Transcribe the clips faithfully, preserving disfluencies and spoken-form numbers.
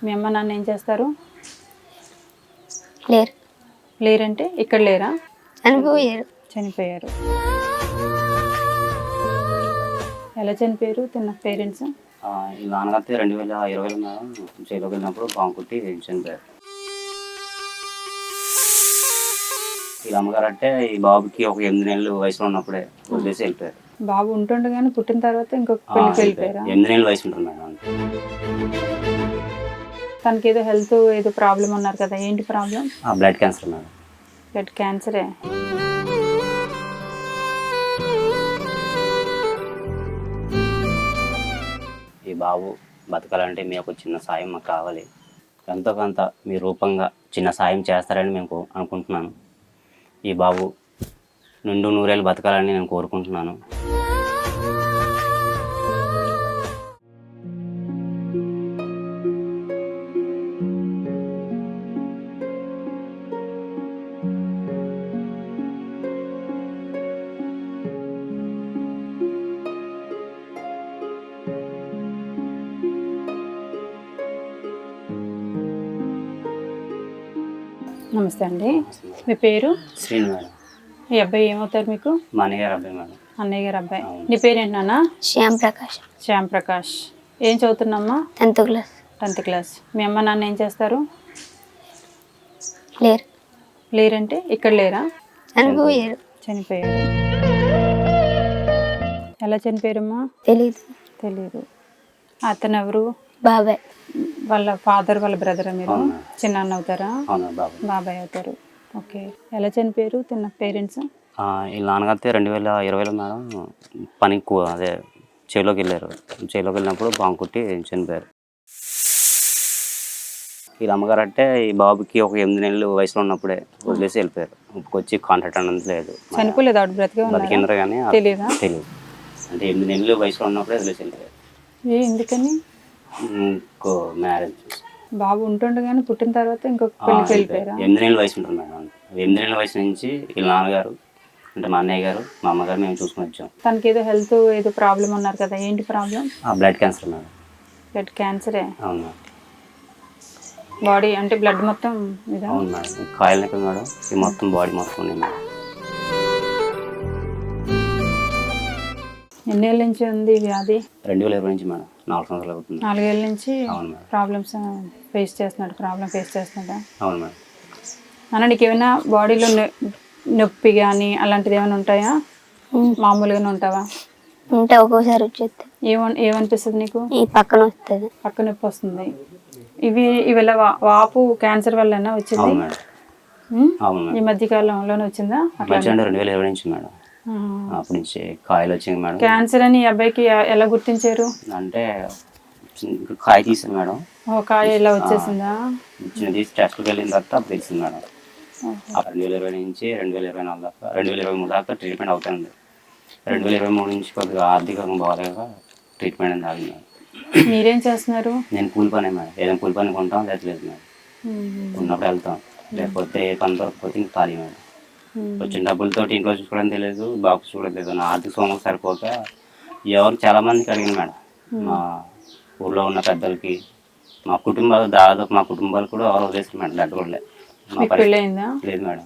మీ అమ్మ నాన్న ఏం చేస్తారు? లేరు. లేరంటే ఇక్కడ లేరా? చనిపోయారు. చనిపోయారు. ఎలా చనిపోయారు తిన్న పేరెంట్స్? ఈ నాన్నగారితో రెండు వేల ఇరవైలో మేడం జైలుకి వెళ్ళినప్పుడు బాంబు కొట్టి చనిపోయారు. ఈ అమ్మగారు అంటే ఈ బాబుకి ఒక ఎనిమిది నెలలు వయసులో ఉన్నప్పుడే వదిలేసి వెళ్ళిపోయారు. బాబు ఉంటుండగానే పుట్టిన తర్వాత ఇంకొక పెళ్లికి వెళ్ళిపోయారా? ఎనిమిది నెలలు వయసు ఉంటుంది మేడం. తనకి ఏదో హెల్త్ ఏదో ప్రాబ్లం ఉన్నారు కదా, ఏంటి problem? Blood cancer madam. Blood క్యాన్సరే. ఈ బాబు బతకాలంటే మీ ఒక చిన్న సాయం మాకు కావాలి. ఎంతో కొంత మీ రూపంగా చిన్న సాయం చేస్తారని మేము అనుకుంటున్నాను. ఈ బాబు నిండు నూరేళ్ళు బతకాలని నేను కోరుకుంటున్నాను. నమస్తే అండి. మీ పేరు? శ్రీను మేడం. ఈ అబ్బాయి ఏమవుతారు మీకు? మా అన్నయ్య గారు అబ్బాయి మేడం. అన్నయ్య గారు అబ్బాయి. నీ పేరేంటి నాన్న? శ్యామ్ ప్రకాష్. శ్యామ్ ప్రకాష్. ఏం చదువుతున్నామ్మా? Tenth class. Tenth class. మీ అమ్మ నాన్న ఏం చేస్తారు? లేరు. లేరంటే ఇక్కడ లేరా? చనిపోయారు. చనిపోయారు. ఎలా చనిపోయారమ్మా? తెలీదు. తెలీదు. అతను ఎవరు? బాబాయ్. వాళ్ళ ఫాదర్ వాళ్ళ బ్రదరా మీరు? చిన్న అన్న అవుతారా? బాబాయ్ అవుతారు. ఓకే. ఎలా చనిపోయారు తిన్న పేరెంట్స్? వీళ్ళ నాన్నగారితో రెండు వేల ఇరవైలో మేడం పనికి అదే చేలోకి వెళ్ళారు. చేలోకి వెళ్ళినప్పుడు బాంబు కొట్టి చనిపోయారు. వీళ్ళ అమ్మగారు అంటే ఈ బాబుకి ఒక ఎనిమిది నెలలు వయసులో ఉన్నప్పుడే వదిలేసి వెళ్ళిపోయారు. వచ్చి కాంటాక్ట్ అన్నది లేదు. చనిపోలేదు ఆవిడ బ్రతికే బతికిందరు కానీ తెలియదా? తెలియదు. అంటే ఎనిమిది నెలలు వయసులో ఉన్నప్పుడే వదిలేసి వెళ్ళిపోయారు. ఏ ఎందుకని? ఇంకో మ్యారేజ్ బాబు ఉంటుండగానే పుట్టిన తర్వాత ఇంకొక పెళ్లికి వెళ్ళిపోయారా? ఎనిమిది నెలల వయసు ఉంటుంది మేడం. ఎనిమిది నెలల వయసు నుంచి వీళ్ళ నాన్నగారు అంటే మా అన్నయ్య గారు మా అమ్మగారు మేము చూసుకుని వచ్చాం. తనకి ఏదో హెల్త్ ఏదో ప్రాబ్లం ఉన్నారు కదా, ఏంటి problem? Blood cancer madam. Blood క్యాన్సరే. అవును మేడం. బాడీ అంటే బ్లడ్ మొత్తం ఇదా? అవును మేడం. కాయలు నెక్కలు మేడం. ఈ మొత్తం బాడీ మొత్తం ఉంది మేడం. ఎన్నేళ్ళ నుంచి ఉంది వ్యాధి? రెండు వేల ఇరవై నుంచి మేడం. నాలుగు సంవత్సరాలు అవుతుంది. నాలుగేళ్ళ నుంచి అవును మేడం. ప్రాబ్లమ్స్ ఫేస్ చేస్తున్నాడు. ప్రాబ్లం ఫేస్ చేస్తున్నాడా? అవును మేడం. అన్న నీకు ఏమైనా బాడీలో నొప్పి కానీ అలాంటిది ఏమైనా ఉంటాయా? మామూలుగానే ఉంటావా? ఉంటే ఒక్కోసారి వచ్చేది. ఏమన్ ఏమనిపిస్తుంది నీకు? ఈ పక్కన వస్తుంది. పక్క నొప్పి వస్తుంది. ఇవి ఇవి వాపు క్యాన్సర్ వల్లనా వచ్చింది? అవును మేడం. అవును మేడం. ఈ మధ్య కాలంలోనే వచ్చిందా? రెండు వేల ఇరవై నుంచి మేడం. అప్పటి నుంచి కాయలు వచ్చింది మేడం. క్యాన్సర్ అని ఈ అబ్బాయికి ఎలా గుర్తించారు? అంటే కాయ తీసింది మేడం. ఓ కాయ ఇలా వచ్చేసిందా? చిన్న తీసి టెస్ట్కి వెళ్ళిన తర్వాత అప్పుడు తెలిసింది మేడం. రెండు వేల ఇరవై నుంచి రెండు వేల ఇరవై నాలుగు దాకా రెండు వేల ఇరవై మూడు దాకా ట్రీట్మెంట్ అవుతుంది. రెండు వేల ఇరవై మూడు నుంచి కొద్దిగా ఆర్థికంగా బాగాలేక ట్రీట్మెంట్ అనేది ఆగింది మేడం. మీరేం చేస్తున్నారు? నేను కూలి పనే మేడం. ఏదైనా కూలి పని కొంటాం లేదు మేడం. ఉన్నప్పుడు వెళ్తాం, లేకపోతే ఏ పని దొరకపోతే ఇంకా ఖాళీ మేడం. వచ్చిన డబ్బులతో ఇంట్లో చూసుకోవడం తెలియదు, బాబు చూడడం లేదు. నా ఆర్థిక సోమం సరిపోక ఎవరు చాలా మందికి అడిగింది మేడం. మా ఊళ్ళో ఉన్న పెద్దలకి, మా కుటుంబాలు దాదాపు మా కుటుంబాలు కూడా ఎవరు వదిలేసారు మేడం. దగ్గర కూడా లేదు. లేదు మేడం,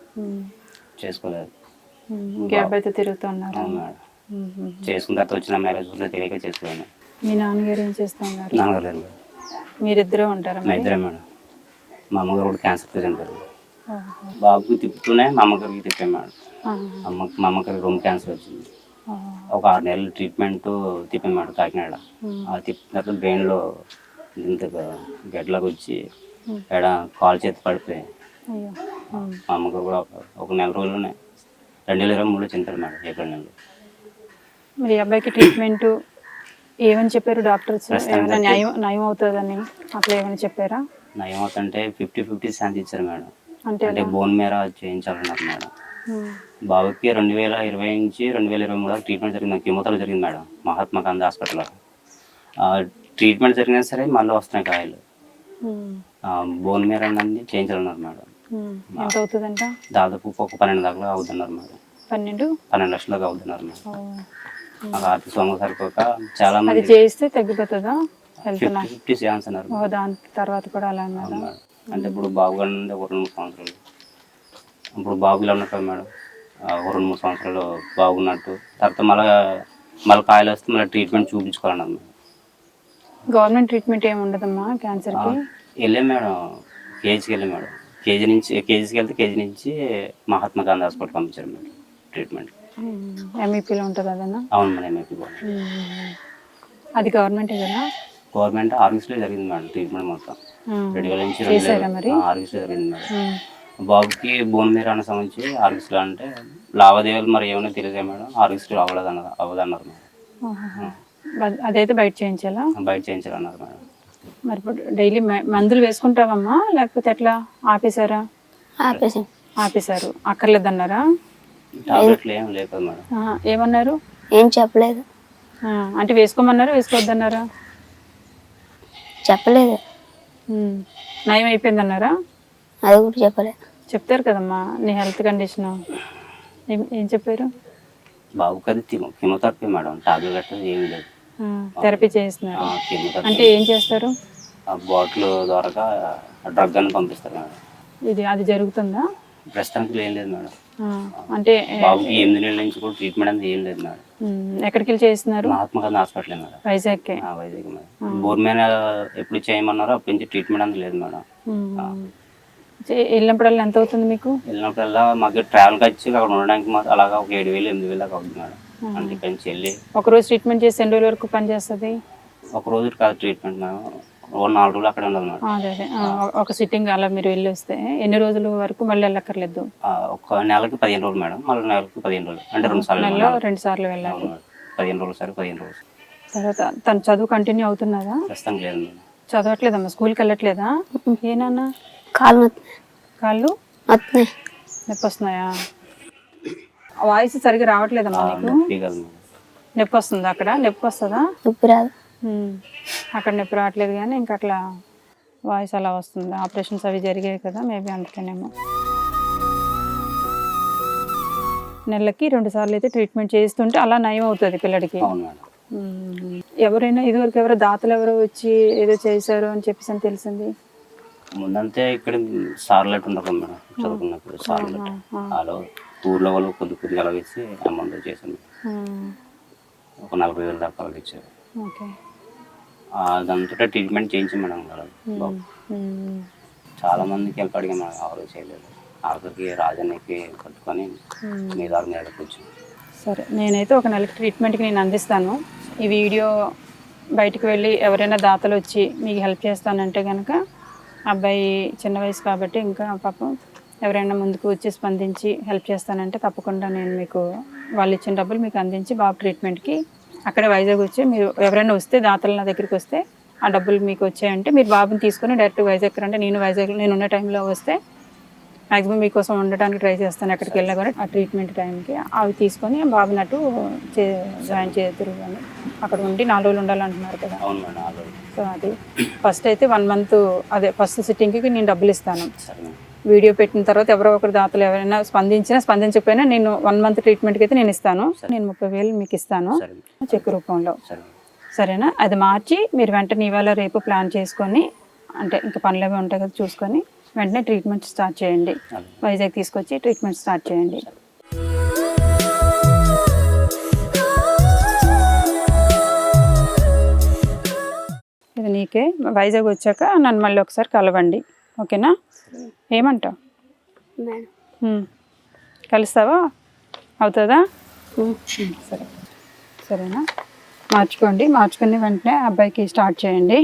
చేసుకోలేదు. అబ్బాయితో తిరుగుతున్నారు. అవును మేడం. చేసుకున్న తర్వాత వచ్చిన మ్యారేజ్ కూడా తెలియక చేసుకోలేదు. మీ నాన్నగారు ఏం చేస్తున్నారు? నాన్నగారు లేదు. మీరిద్దరే ఉంటారా? మా ఇద్దరే మేడం. మా అమ్మగారు కూడా క్యాన్సర్తో చనిపోయారు. బాబుకి తిప్పుతూనే మా అమ్మగారికి తిప్పాను మేడం. అమ్మ మా అమ్మగారికి రొమ్ము క్యాన్సర్ వచ్చింది. ఒక ఆరు నెలలు ట్రీట్మెంట్ తిప్పాను మేడం కాకినాడ. ఆ తిప్పిన తర్వాత బ్రెయిన్లో ఇంత గడ్డలాగా వచ్చి ఎడ కాలు చేతి పడిపోయి మా అమ్మగారు కూడా ఒక నెల రోజుల్లోనే రెండు వేల ఇరవై మూడులో చనిపోయారు మేడం. ఏప్రిల్ నెలలో. మరి అబ్బాయికి ట్రీట్మెంట్ ఏమని చెప్పారు డాక్టర్స్? ఏమైనా న్యాయం నయం అవుతుందని అట్లా ఏమైనా చెప్పారా? నయం అవుతుంటే ఫిఫ్టీ ఫిఫ్టీ ఛాన్స్ ఇచ్చారు మేడం. అంటే అంటే బోన్ మేర చేయించాలన్నారు మేడం. బాబుకి రెండు వేల ఇరవై నుంచి రెండు వేల ఇరవై మూడు ట్రీట్మెంట్ జరిగింది. కెమోథెరపీ జరిగింది మేడం మహాత్మా గాంధీ హాస్పిటల్లో. ట్రీట్మెంట్ జరిగినా సరే మళ్ళీ వస్తున్నాయి కాయలు. బోన్ మేర అన్నీ చేయించాలన్నారు మేడం. ఎంత అవుతుందంట? దాదాపు ఒక పన్నెండు దాకా అవుతున్నారు మేడం. పన్నెండు పన్నెండు లక్షల దాకా అవుతున్నారు మేడం. మాకు ఆర్థిక సొమ్ము సరిపోక చాలా మంది చేయిస్తే తగ్గిపోతుందా? హెల్త్ ఫిఫ్టీ ఫిఫ్టీ ఛాన్స్ అన్నారు ఓ దాని తర్వాత కూడా అలా అన్నారా? అవును మేడం. అంటే ఇప్పుడు బాబు గారి నుండి ఒక రెండు మూడు సంవత్సరాలు ఇప్పుడు బాబు ఇలా ఉన్నట్టు మేడం ఆ, ఒక రెండు మూడు సంవత్సరాలు బాగున్నట్టు తర్వాత మళ్ళీ మళ్ళీ కాయలు వస్తే మళ్ళీ ట్రీట్మెంట్ చూపించుకోవాలన్నారు మేడం. గవర్నమెంట్ ట్రీట్మెంట్ ఏమి ఉండదమ్మా క్యాన్సర్కి? వెళ్ళాం మేడం, కేజీకి వెళ్ళాం మేడం. కేజీ నుంచి కేజీకి వెళ్తే కేజీ నుంచి మహాత్మా గాంధీ హాస్పిటల్ పంపించారు మేడం ట్రీట్మెంట్. ఎంఈపీలో ఉంటుంది అదన్నా? అవును మేడం, ఎంఐపీ అది గవర్నమెంటే కదా? గవర్నమెంట్ ఆర్గీస్లో జరిగింది మేడం ట్రీట్మెంట్ మొత్తం. రెండు వేల నుంచి చేశారా మరి? ఆర్గీస్లో జరిగింది మేడం. బాబుకి బోన్ మీద అన్న సంబంధించి ఆర్గీస్లో అంటే లావాదేవీలు మరి ఏమైనా తెలియదు మేడం, ఆర్గీస్లో అవ్వలేదు అన్నారు అవ్వదన్నారు మేడం. అద్- అదైతే బయట చేయించాలా? బయట చేయించాలన్నారు మేడం. మరి ఇప్పుడు డైలీ మందులు వేసుకుంటావమ్మా లేకపోతే ఎట్లా ఆపేశారా? ఆపేసాం. ఆపేశారు. అక్కర్లేదన్నారా? టాబ్లెట్లు ఏం లేదు కదా మేడం. ఆ, ఏమన్నారు? ఏం చెప్పలేదు. ఆ, అంటే వేసుకోమన్నారా వేసుకోవద్దన్నారా? చెప్పలేదు. ఉమ్. నయం అయిపోయిందన్నారా? అది కూడా చెప్పలేదు. చెప్తారు కదమ్మా నీ హెల్త్ కండిషన్. ఏం ఏం చెప్పారు? బాబుకి అది కెమోథెరపీ మేడం, టాబ్లెట్ గట్రా ఏమీ లేదు. థెరపీ చేస్తున్నారు. కెమోథెరపీ అంటే ఏం చేస్తారు? బాటిల్ ద్వారా డ్రగ్ అని పంపిస్తారు మేడం. ఇది అది జరుగుతుందా? ప్రస్తుతానికి ఏం లేదు మేడం. ఆ, అంటే బాబుకి ఎనిమిది నెలల నుంచి కూడా ట్రీట్మెంట్ అనేది ఏం లేదు మేడం. ఉమ్, ఎక్కడికి వెళ్ళి చేస్తున్నారు? మహాత్మా గాంధీ హాస్పిటల్ మేడం, వైజాగ్కే. ఆ, వైజాగ్ మేడం. బోర్ మీద ఎప్పుడు చేయమన్నారో అప్పటి నుంచి ట్రీట్మెంట్ అనేది లేదు మేడం. ఉమ్. చే- వెళ్ళినప్పుడల్లా ఎంత అవుతుంది మీకు? వెళ్ళినప్పుడల్లా మాకు ట్రావెల్ ఖర్చు అక్కడ ఉండడానికి మాకు అలాగా ఒక ఏడు వేలు ఎనిమిది వేలు దాకా అవుతుంది మేడం. అంటే ఇక్కడి నుంచి వెళ్ళి ఒక రోజు ట్రీట్మెంట్ చేసి ఎన్ని రోజుల వరకు పనిచేస్తుంది? ఒక రోజు కాదు ట్రీట్మెంట్ మేడం, ఓ నాలుగు రోజులు అక్కడ ఉండదు మేడం. అదే అదే ఆ, ఒక సిట్టింగ్ అలా మీరు వెళ్ళి వస్తే ఎన్ని రోజుల వరకు మళ్ళీ వెళ్ళక్కర్లేదు? ఆ, ఒక నెలకి పదిహేను రోజులు మేడం, మళ్ళీ నెలకి పదిహేను రోజులు అంటే రెండు సార్లు నెలలో రెండు సార్లు వెళ్ళాలి. అవును మేడం. పదిహేను రోజులు సరే పదిహేను రోజులు. తర్వాత తను చదువు కంటిన్యూ అవుతున్నదా? ప్రస్తుతం లేదు మేడం. చదవట్లేదమ్మా? స్కూల్కి వెళ్ళట్లేదా? ఏనన్నా కాలు నొత్తున్నాయి. కాళ్ళు నొత్తున్నాయి. నొప్పి వస్తున్నాయా? వాయిస్ సరిగ్గా రావట్లేదమ్మా నీకు? నొప్పి కాదు మేడం. నొప్పి వస్తుందా? అక్కడ నొప్పి వస్తుందా? నొప్పి రాదు. ఉమ్. అక్కడ నొప్పి రావట్లేదు కానీ ఇంకా అట్లా వాయిస్ అలా వస్తుంది. ఆపరేషన్స్ అవి జరిగాయి కదా మేబీ అందుకనేమో. నెలకి రెండు సార్లు అయితే ట్రీట్మెంట్ చేస్తుంటే అలా నయం అవుతుంది పిల్లడికి. అవును మేడం. ఉమ్. ఎవరైనా ఇదివరకు ఎవరో దాతలు ఎవరో వచ్చి ఏదో చేశారు అని చెప్పేసి అని తెలిసింది. ముందంతే ఇక్కడ సార్లు అట్టు ఉండదు మేడం, చదువుకున్నప్పుడు సార్లు వాళ్ళు ఊర్లో వాళ్ళు కొద్ది కొద్దిగా అలా వేసి అమౌంట్ చేశాను. ఉమ్. ఒక నలభై వేలు దాకా వాళ్ళకి ఇచ్చారు. ఓకే. అదంతా ట్రీట్మెంట్ చేయించి మేడం కదా బాబు. ఉమ్. చాలా మందికి హెల్ప్ అడిగాం మేడం, ఎవరు చేయలేదు. ఆఖరికి రాజన్నకి పట్టుకొని మీ దారి మీద కూర్చొని. సరే, నేనైతే ఒక నెలకి ట్రీట్మెంట్కి నేను అందిస్తాను. ఈ వీడియో బయటికి వెళ్ళి ఎవరైనా దాతలు వచ్చి మీకు హెల్ప్ చేస్తానంటే కనుక, అబ్బాయి చిన్న వయసు కాబట్టి ఇంకా పాపం ఎవరైనా ముందుకు వచ్చి స్పందించి హెల్ప్ చేస్తానంటే తప్పకుండా నేను మీకు వాళ్ళు ఇచ్చిన డబ్బులు మీకు అందించి బాబు ట్రీట్మెంట్కి అక్కడే వైజాగ్ వచ్చి మీరు ఎవరైనా వస్తే దాతలు నా దగ్గరికి వస్తే ఆ డబ్బులు మీకు వచ్చాయంటే మీరు బాబుని తీసుకొని డైరెక్ట్ వైజాగ్ రండి. నేను వైజాగ్ నేను ఉన్న టైంలో వస్తే మ్యాక్సిమం మీకోసం ఉండటానికి ట్రై చేస్తాను. ఎక్కడికి వెళ్ళా కూడా ఆ ట్రీట్మెంట్ టైంకి అవి తీసుకొని బాబుని అటు చే జాయిన్ చేతురు అని అక్కడ ఉండి నాలుగు రోజులు ఉండాలంటున్నారు కదా. అవును మేడం. ఆల్రెడీ సో అది ఫస్ట్ అయితే వన్ మంత్ అదే ఫస్ట్ సిట్టింగ్కి నేను డబ్బులు ఇస్తాను. సరే మేడం. వీడియో పెట్టిన తర్వాత ఎవరో ఒకరు దాతలు ఎవరైనా స్పందించినా స్పందించకపోయినా నేను వన్ మంత్ ట్రీట్మెంట్కి అయితే నేను ఇస్తాను. నేను ముప్పై వేలు మీకు ఇస్తాను సరే చెక్ రూపంలో. సరే సరేనా? అది మార్చి మీరు వెంటనే ఇవాళ రేపు ప్లాన్ చేసుకొని అంటే ఇంకా పనులు అవి ఉంటాయి కదా చూసుకొని వెంటనే ట్రీట్మెంట్ స్టార్ట్ చేయండి. వైజాగ్ తీసుకొచ్చి ట్రీట్మెంట్ స్టార్ట్ చేయండి. ఇది నీకే. వైజాగ్ వచ్చాక నన్ను మళ్ళీ ఒకసారి కలవండి, ఓకేనా? ఏమంటావు? మేడం. ఉమ్. కలుస్తావా? అవుతుందా? ఉమ్. సరే, సరేనా? మార్చుకోండి. మార్చుకుని వెంటనే అబ్బాయికి స్టార్ట్ చేయండి.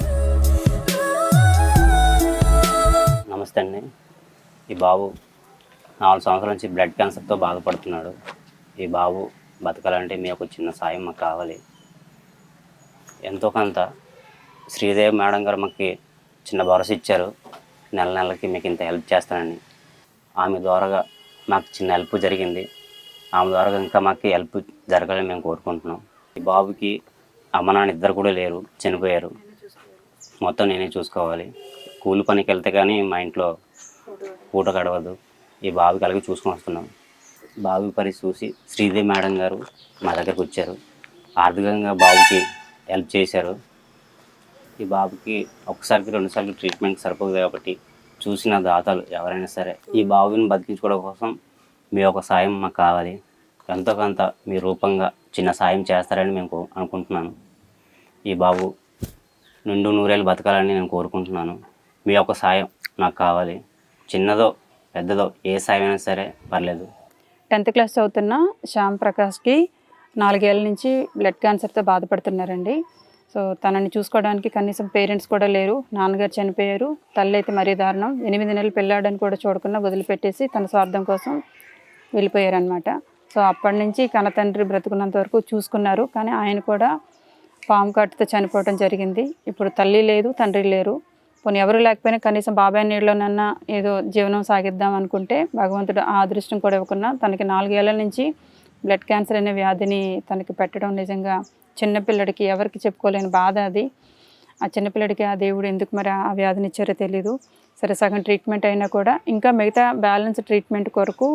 నమస్తే అండి. ఈ బాబు నాలుగు సంవత్సరాల నుంచి బ్లడ్ క్యాన్సర్తో బాధపడుతున్నాడు. ఈ బాబు బతకాలంటే మీ ఒక చిన్న సాయం మాకు కావాలి. ఎంతో కొంత శ్రీదేవి మేడం గారు మాకు చిన్న భరోసా ఇచ్చారు, నెల నెలకి మీకు ఇంత హెల్ప్ చేస్తానని. ఆమె ద్వారాగా మాకు చిన్న హెల్ప్ జరిగింది. ఆమె ద్వారా ఇంకా మాకు హెల్ప్ జరగాలని మేము కోరుకుంటున్నాం. ఈ బాబుకి అమ్మ నాన్న ఇద్దరు కూడా లేరు, చనిపోయారు. మొత్తం నేనే చూసుకోవాలి. కూలి పనికి వెళ్తే కానీ మా ఇంట్లో పూట గడవదు. ఈ బాబుకి అలాగే చూసుకొని వస్తున్నాం. బాబు పరిస్థితి చూసి శ్రీదేవి మేడం గారు మా దగ్గరకు వచ్చారు. ఆర్థికంగా బాబుకి హెల్ప్ చేశారు. ఈ బాబుకి ఒకసారికి రెండుసార్లు ట్రీట్మెంట్ సరిపోదు కాబట్టి చూసిన దాతలు ఎవరైనా సరే ఈ బాబుని బతికించుకోవడం కోసం మీ ఒక సాయం మాకు కావాలి. ఎంతో కొంత మీ రూపంగా చిన్న సాయం చేస్తారని మేము అనుకుంటున్నాను. ఈ బాబు నిండు నూరేళ్ళు బతకాలని నేను కోరుకుంటున్నాను. మీ యొక్క సాయం నాకు కావాలి. చిన్నదో పెద్దదో ఏ సాయం అయినా సరే పర్లేదు. టెన్త్ క్లాస్ చదువుతున్న శ్యామ్ ప్రకాష్కి నాలుగేళ్ల నుంచి బ్లడ్ క్యాన్సర్తో బాధపడుతున్నారండి. సో తనని చూసుకోవడానికి కనీసం పేరెంట్స్ కూడా లేరు. నాన్నగారు చనిపోయారు, తల్లి అయితే మరీ దారుణం. ఎనిమిది నెలలు పెళ్ళాడని కూడా చూడకుండా వదిలిపెట్టేసి తన స్వార్థం కోసం వెళ్ళిపోయారనమాట. సో అప్పటి నుంచి కన్న తండ్రి బ్రతుకున్నంత వరకు చూసుకున్నారు, కానీ ఆయన కూడా పాము కాటుతో చనిపోవడం జరిగింది. ఇప్పుడు తల్లి లేదు, తండ్రి లేరు. పోనీ ఎవరు లేకపోయినా కనీసం బాబాయ్ నీళ్ళలోనన్నా ఏదో జీవనం సాగిద్దాం అనుకుంటే భగవంతుడు ఆ అదృష్టం కూడా ఇవ్వకున్నా తనకి నాలుగేళ్ల నుంచి బ్లడ్ క్యాన్సర్ అనే వ్యాధిని తనకి పెట్టడం నిజంగా చిన్నపిల్లడికి ఎవరికి చెప్పుకోలేని బాధ అది. ఆ చిన్నపిల్లడికి ఆ దేవుడు ఎందుకు మరి ఆ వ్యాధిని ఇచ్చారో తెలీదు. సరే సగం ట్రీట్మెంట్ అయినా కూడా ఇంకా మిగతా బ్యాలెన్స్ ట్రీట్మెంట్ కొరకు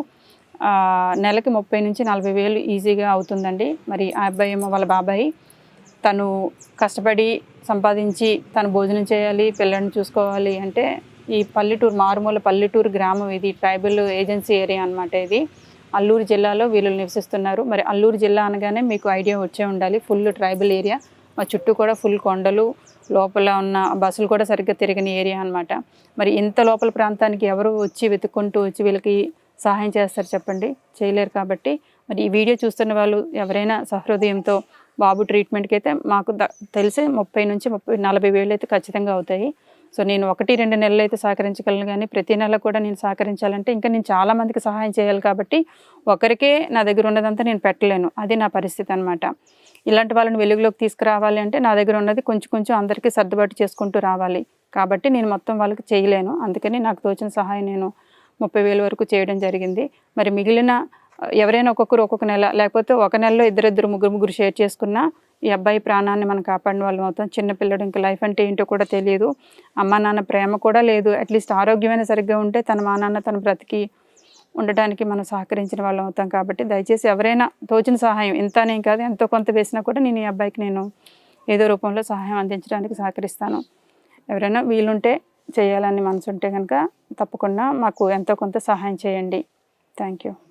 నెలకి ముప్పై నుంచి నలభై వేలు ఈజీగా అవుతుందండి. మరి ఆ అబ్బాయి ఏమో వాళ్ళ బాబాయ్ తను కష్టపడి సంపాదించి తను భోజనం చేయాలి, పిల్లల్ని చూసుకోవాలి అంటే ఈ పల్లెటూరు మారుమూల పల్లెటూరు గ్రామం ఇది, ట్రైబల్ ఏజెన్సీ ఏరియా అనమాట. ఇది అల్లూరు జిల్లాలో వీళ్ళు నివసిస్తున్నారు. మరి అల్లూరు జిల్లా అనగానే మీకు ఐడియా వచ్చే ఉండాలి, ఫుల్ ట్రైబల్ ఏరియా. మా చుట్టూ కూడా ఫుల్ కొండలు, లోపల ఉన్న బస్సులు కూడా సరిగ్గా తిరగని ఏరియా అనమాట. మరి ఇంత లోపల ప్రాంతానికి ఎవరు వచ్చి వెతుక్కుంటూ వచ్చి వీళ్ళకి సహాయం చేస్తారు చెప్పండి? చేయలేరు. కాబట్టి మరి ఈ వీడియో చూస్తున్న వాళ్ళు ఎవరైనా సహృదయంతో బాబు ట్రీట్మెంట్కి అయితే మాకు తెలిసి ముప్పై నుంచి ముప్పై నలభై వేలు అయితే ఖచ్చితంగా అవుతాయి. సో నేను ఒకటి రెండు నెలలు అయితే సహకరించగలను, కానీ ప్రతి నెల కూడా నేను సహకరించాలంటే ఇంకా నేను చాలామందికి సహాయం చేయాలి. కాబట్టి ఒకరికే నా దగ్గర ఉన్నదంతా నేను పెట్టలేను, అది నా పరిస్థితి అనమాట. ఇలాంటి వాళ్ళని వెలుగులోకి తీసుకురావాలి అంటే నా దగ్గర ఉన్నది కొంచెం కొంచెం అందరికీ సర్దుబాటు చేసుకుంటూ రావాలి. కాబట్టి నేను మొత్తం వాళ్ళకి చేయలేను. అందుకని నాకు తోచిన సహాయం నేను ముప్పై వేల వరకు చేయడం జరిగింది. మరి మిగిలిన ఎవరైనా ఒక్కొక్కరు ఒక్కొక్క నెల, లేకపోతే ఒక నెలలో ఇద్దరిద్దరు ముగ్గురు ముగ్గురు షేర్ చేసుకున్నా ఈ అబ్బాయి ప్రాణాన్ని మనం కాపాడిన వాళ్ళు అవుతాం. చిన్నపిల్లడు ఇంకా లైఫ్ అంటే ఏంటో కూడా తెలియదు, అమ్మ నాన్న ప్రేమ కూడా లేదు. అట్లీస్ట్ ఆరోగ్యమైన సరిగ్గా ఉంటే తన మా నాన్న తన బ్రతికి ఉండడానికి మనం సహకరించిన వాళ్ళం అవుతాం. కాబట్టి దయచేసి ఎవరైనా తోచిన సహాయం, ఇంతనే కాదు ఎంతో కొంత వేసినా కూడా నేను ఈ అబ్బాయికి నేను ఏదో రూపంలో సహాయం అందించడానికి సహకరిస్తాను. ఎవరైనా వీలుంటే చేయాలని మనసు ఉంటే కనుక తప్పకుండా మాకు ఎంతో కొంత సహాయం చేయండి. Thank you.